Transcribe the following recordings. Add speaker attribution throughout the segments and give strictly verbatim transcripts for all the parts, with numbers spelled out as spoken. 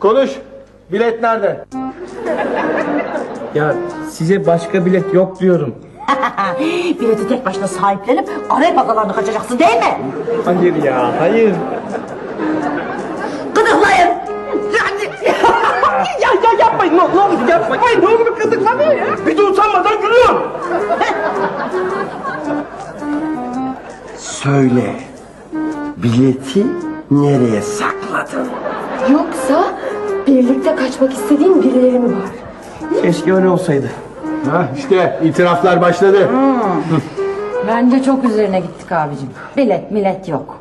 Speaker 1: Konuş. Bilet nerede?
Speaker 2: Ya size başka bilet yok diyorum.
Speaker 3: Bileti tek başına sahiplenip araya pazarlarını kaçacaksın değil mi?
Speaker 2: Hayır ya, hayır.
Speaker 3: Gıdıklayın.
Speaker 2: Ya ya yapmayın, ne, ne olur yapmayın. Ne olur kızıklanıyor ya. Bir de utanmadan gülüyor.
Speaker 4: Söyle, bileti nereye sakladın?
Speaker 5: Yoksa birlikte kaçmak istediğin birileri mi var?
Speaker 2: Keşke öyle olsaydı.
Speaker 1: Ha işte itiraflar başladı.
Speaker 6: Bence çok üzerine gittik abicim. Bilet millet yok.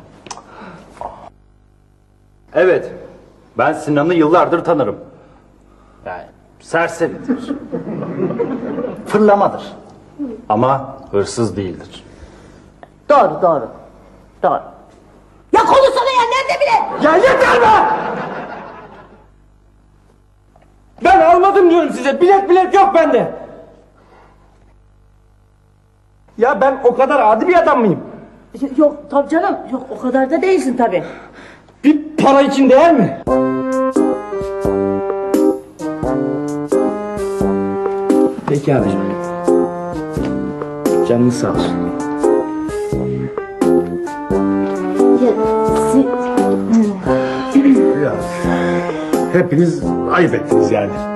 Speaker 7: Evet, ben Sinan'ı yıllardır tanırım. Yani serseridir. Fırlamadır. Ama hırsız değildir.
Speaker 3: Doğru doğru. Doğru. Ya konuşsana ya, nerede bilet?
Speaker 2: Ya yeter be! Ben almadım diyorum size. Bilet bilet yok bende. Ya ben o kadar adi bir adam mıyım?
Speaker 3: Yok tabii canım, yok o kadar da değilsin tabii.
Speaker 2: Bir para için değer mi? Peki abicim. Canını sağ olsun.
Speaker 5: Ya, si-
Speaker 1: Ya, hepiniz ayıp ettiniz yani.